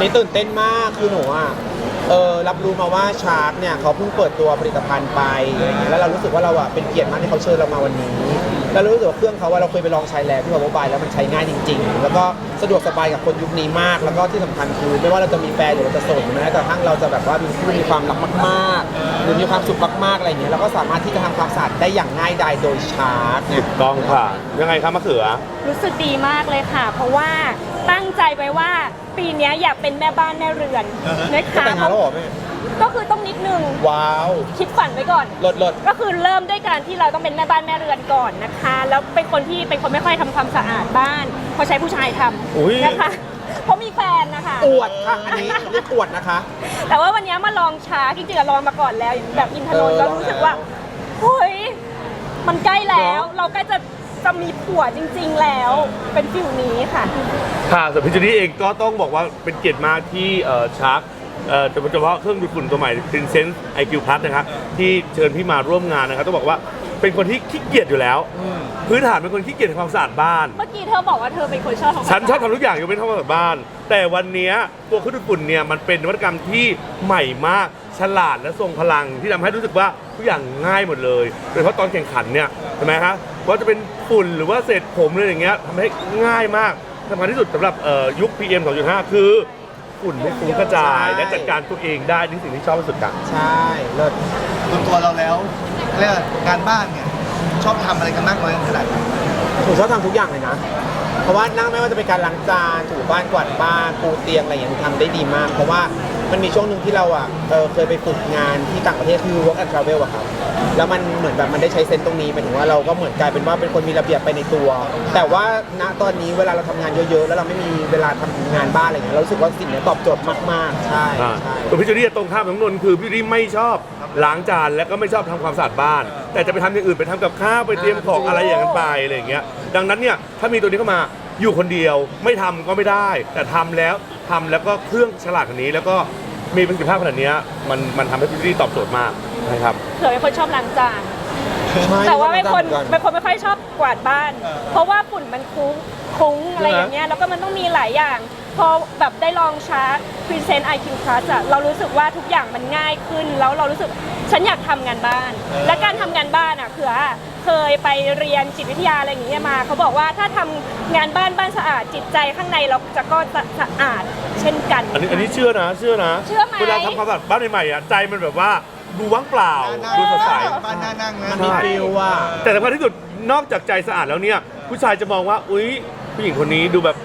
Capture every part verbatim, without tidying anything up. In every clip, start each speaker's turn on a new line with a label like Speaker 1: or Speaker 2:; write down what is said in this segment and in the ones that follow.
Speaker 1: นี้ตื่นเต้นมากคือหนูอ่ะเออรับรู้มาว่าชาร์กเนี่ยเขาเพิ่งเปิดตัวผลิตภัณฑ์ไปอะไรเงี้ยแล้วเรารู้สึกว่าเราอ่ะเป็นเกียรติมากที่เขาเชิญเรามาวันนี้แล้วรู้สึกว่าเครื่องเขาว่าเราเคยไปลองใช้แล้วที่ Power by แล้วมันใช้ง่ายจริงๆแล้วก็สะดวกสบายกับคนยุคนี้มากแล้วก็ที่สำคัญคือไม่ว่าเราจะมีแฟนหรือเราจะโสดหรือแม้กระทั่งเราจะแบบว่ามีคู่มีความรักมากๆหรือมีความสุขมากๆอะไรเงี้ยเราก็สามารถที่จะทำความสะอาดได้อย่างง่ายดายโดยชาร์กเนี่ย
Speaker 2: กองค่ะยังไงครับมะเขือ
Speaker 3: รู้สึกดีมากเลยค่ะ เพราะว่าตั้งใจไว้ว่าปีนี้อยากเป็นแม่บ้านแม่เรือนนะคะ
Speaker 1: แต่งงานแล้วเหรอแม่
Speaker 3: ก็คือต้องนิดนึง
Speaker 1: ว้าว
Speaker 3: คิดฝันไว้ก่อน
Speaker 1: ลดลด
Speaker 3: ก็คือเริ่มด้วยการที่เราต้องเป็นแม่บ้านแม่เรือนก่อนนะคะ แล้วเป็นคนที่เป็นคนไม่ค่อยทำความสะอาดบ้านเพราะใช้ผู้ชายท
Speaker 2: อุ๊ย
Speaker 3: ำนะคะเพราะมีแฟนนะคะ
Speaker 1: อวดค่ะอันนี้เรียกอวดนะคะ
Speaker 3: แต่ว่าวันนี้มาลองช้าจริงๆอะลองมาก่อนแล้วอย่างแบบอินทนนท์
Speaker 1: เออ
Speaker 3: แล้วรู้สึกว่าเฮ้ยมันใกล้แล้ว
Speaker 1: เนอะ
Speaker 3: เราใกล้จะจะมีผัวจริง ๆแล้วเป็นฟิลนี้ค่ะ
Speaker 2: ค่ะส่วนพี่เจนี่เองก็ต้องบอกว่าเป็นเกียรติมากที่เอ่อชาร์กเอ่อโดยเฉพาะเครื่องดูดฝุ่นตัวใหม่ Sense ไอ คิว Plus นะครับที่เชิญพี่มาร่วมงานนะครับต้องบอกว่าเป็นคนที่ขี้เกียจอยู่แล้ว พื้นฐานเป็นคนขี้เกียจทำความสะอาดบ้าน
Speaker 3: เมื่อกี้เธอบอกว่าเธอเป็นคนชอบทำความ
Speaker 2: ฉันชอบ
Speaker 3: สะาด
Speaker 2: ทำทุกอย่างยกเว้นทำความสะอาดบ้าน แต่วันเนี้ยตัวเครื่องดูดฝุ่นเนี่ยมันเป็นนวัตกรรมที่ใหม่มากฉลาดและทรงพลังที่ทำให้รู้สึกว่าทุกอย่างง่ายหมดเลยโดยเฉพาะตอนแข่งขันเนี่ยใช่ไหมครับว่าจะเป็นฝุ่นหรือว่าเศษผมอะไรอย่างเงี้ยทำให้ง่ายมากสำคัญที่สุดสำหรับเอ่อยุค พี เอ็ม สองจุดห้า คือฝุ่นไม่ฟุ้งกระจาย
Speaker 1: ใช่
Speaker 2: และจัดการตัวเองได้นี่สิ่งที่ชอบที่สุดกัน
Speaker 1: ใช่เลิศ
Speaker 4: ส่วนตัวเราแล้วเรียกว่างานบ้านเนี่ยชอบทำอะไรกันมากน้อยขนาดไหน
Speaker 1: หนูชอบทำทุกอย่างเลยนะ เพราะว่านั่งไม่ว่าจะเป็นการล้างจานถูบ้านกวาดบ้านปูเตียงอะไรอย่างเงี้ยหนูทำได้ดีมาก เพราะว่ามันมีช่วงหนึ่งที่เราอ่ะเออเคยไปฝึกงานที่ต่างประเทศคือ work and travel อะครับแล้วมันเหมือนแบบมันได้ใช้เซนส์ตรงนี้หมายถึงว่าเราก็เหมือนกลายเป็นว่าเป็นคนมีระเบียบไปในตัว แต่ว่าณตอนนี้เวลาเราทำงานเยอะๆแล้วเราไม่มีเวลาทำงานบ้านอะไรอย่างเงี้ยเรารู้สึกว่าสิ่งเนี้ยตอบโจทย์มากๆใช่
Speaker 2: อ่า
Speaker 1: ใช่
Speaker 2: ส่วนพี่เจนี่ตรงข้ามของนนท์คือพี่เจนี่ไม่ชอบล้างจานและก็ไม่ชอบทำความสะอาดบ้าน แต่จะไปทำอย่างอื่นไปทำกับข้าวไปเตรียมของอะไรอย่างนั้นไปอะไรอย่างเงี้ยดังนั้นเนี่ยถ้ามีตัวนี้เข้ามาอยู่คนเดียวไม่ทำก็ไม่ได้ แต่ทำแล้วทำแล้วก็เครื่องฉลาดขนาดนี้แล้วก็มีประสิทธิภาพขนาดนี้มันมันทำให้พี่เจนี่ตอบโจทย์มากนะครับ
Speaker 3: เธอเป็นคนชอบล้างจาน
Speaker 1: ใช่
Speaker 3: แต่ว่าเป็นคน
Speaker 1: ชอบทำเหมือนกัน
Speaker 3: เป็นคนไม่ค่อยชอบกวาดบ้าน เพราะว่าฝุ่นมันคุ้งคุ้งอะไรอย่างเงี้ยแล้วก็มันต้องมีหลายอย่าง พอแบบได้ลองชาร์จ Present ไอ คิว Plus อะเรารู้สึกว่าทุกอย่างมันง่ายขึ้น แล้วเรารู้สึกฉันอยากทำงานบ้าน และการทำงานบ้านอะคือเคยไปเรียนจิตวิทยาอะไรอย่างเงี้ยมาเขาบอกว่าถ้าทำงานบ้านบ้านสะอาดจิตใจข้างในเราจะก็จะสะอาดเช่นกัน
Speaker 2: อันนี้อันนี้เชื่อนะเชื่อนะ
Speaker 3: เชื่อไหม
Speaker 2: เวลาทำความสะอาดบ้านใหม่ๆอ่ะใจมันแบบว่าดูว่างเปล่าดูสดใส
Speaker 4: บ้านน่านั่งนะ
Speaker 1: มันมีฟิลว่ะ
Speaker 2: แต่สำคัญที่สุดนอกจากใจสะอาดแล้วเนี่ยผู้ชายจะมองว่าอุ๊ยผู้หญิงคนนี้ดูแบบ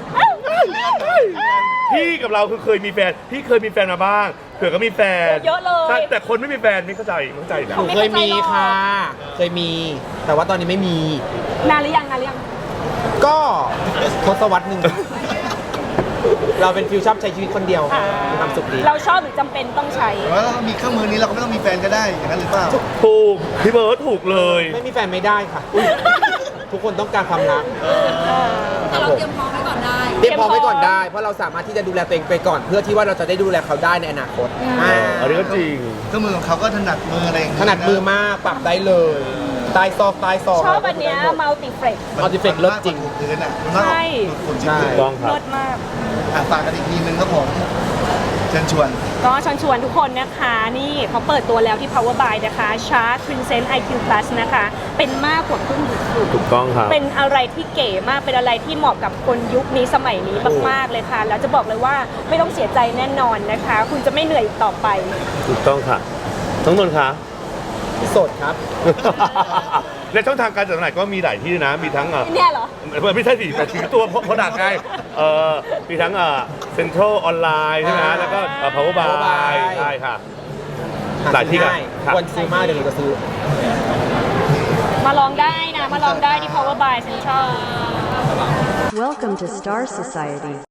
Speaker 2: พี่กับเราคือเคยมีแฟนพี่เคยมีแฟนมาบ้างเผื่อก็มีแฟน
Speaker 3: เยอะเลย
Speaker 2: ใช่แต่คนไม่มีแฟนไม่เข้าใจไม่เข้าใจนะ
Speaker 1: หนูเคยมีค่ะ เคยมี แต่ว่าตอนนี้ไม่มี
Speaker 3: นานหรือยังนานหรือยัง
Speaker 1: ก็ทศวรรษหนึ่ง เราเป็นฟิวชอบใช้ชีวิตคนเดียว
Speaker 3: อ่า
Speaker 1: มีความสุขดี
Speaker 3: เราชอบหรือจำเป็นต้องใช้
Speaker 4: แต่ว่าเรามีเครื่องมือนี้เราก็ไม่ต้องมีแฟนก็ได้อย่างนั้นหรือเปล่า
Speaker 2: ถูกพี่เบิร์ดถูกเลย
Speaker 1: ไม่มีแฟนไม่ได้ค่ะ ทุกคนต้องการความรัก
Speaker 5: แต่เราเตรียมพร้อมไว้ก่อนได้
Speaker 1: เตรียมพร้อมไว้ก่อนได้ เพราะเราสามารถที่จะดูแลตัวเองไปก่อน เพื่อที่ว่าเราจะได้ดูแลเขาได้ในอนาคตอ่า
Speaker 2: อันนี้ก็จริง
Speaker 4: เครื่องมือของเขาก็ถนัดมืออะไรอย่าง
Speaker 1: ถนัดมือมากปรับได้เลยใต้ซอกใต้ซอก
Speaker 3: ชอบอันเนี้ย multi flex
Speaker 1: มัลติเฟกเลิศจริง
Speaker 4: มันมากกว่าถูพื้นอ่ะมันมากกว่า
Speaker 3: ใช่
Speaker 4: ถูฝุ่น
Speaker 1: ใช่
Speaker 4: ที่พื้น
Speaker 2: ต้องครับ
Speaker 3: เลิศมาก
Speaker 4: อ่ะฝากกันอีกทีนึงครับผมเชิญชวน
Speaker 3: ก็เชวนชวนทุกคนนะคะ นี่เขาเปิดตัวแล้วที่ Power by นะคะ Charge Present ไอ คิว Plus นะคะ เป็นมากกว่าเครื่องดูดฝุ่น
Speaker 2: ถูกต้องครับ
Speaker 3: เป็นอะไรที่เก๋มาก เป็นอะไรที่เหมาะกับคนยุคนี้สมัยนี้มากๆเลยค่ะ แล้วจะบอกเลยว่าไม่ต้องเสียใจแน่นอนนะคะ คุณจะไม่เหนื่อยอีกต่อไป
Speaker 2: ถูกต้องค่ะทั้งนนท์คะ
Speaker 1: โสดครับ
Speaker 2: และช่องทางการจัดจำหน่ายก็มีหลายที่นะ มีทั้งเอ่อ
Speaker 3: เนี่ยเหรอ
Speaker 2: ไม่ใช่สิแต่ถือตัวโปรดักต์ไงเอ่อมีทั้งเอ่อเซ็นทรัลออนไลน์ใช่ไหมฮะแล้วก็เอ่อ power
Speaker 1: Power
Speaker 2: by
Speaker 1: by
Speaker 2: ใช่ค่ะ หลายที่กัน ครับ
Speaker 1: ควรซื้อมากเดี๋ยวหนูจะซื้อ
Speaker 3: มาลองได้นะ มาลองได้ที่ Power by Central
Speaker 6: Welcome to Star Society.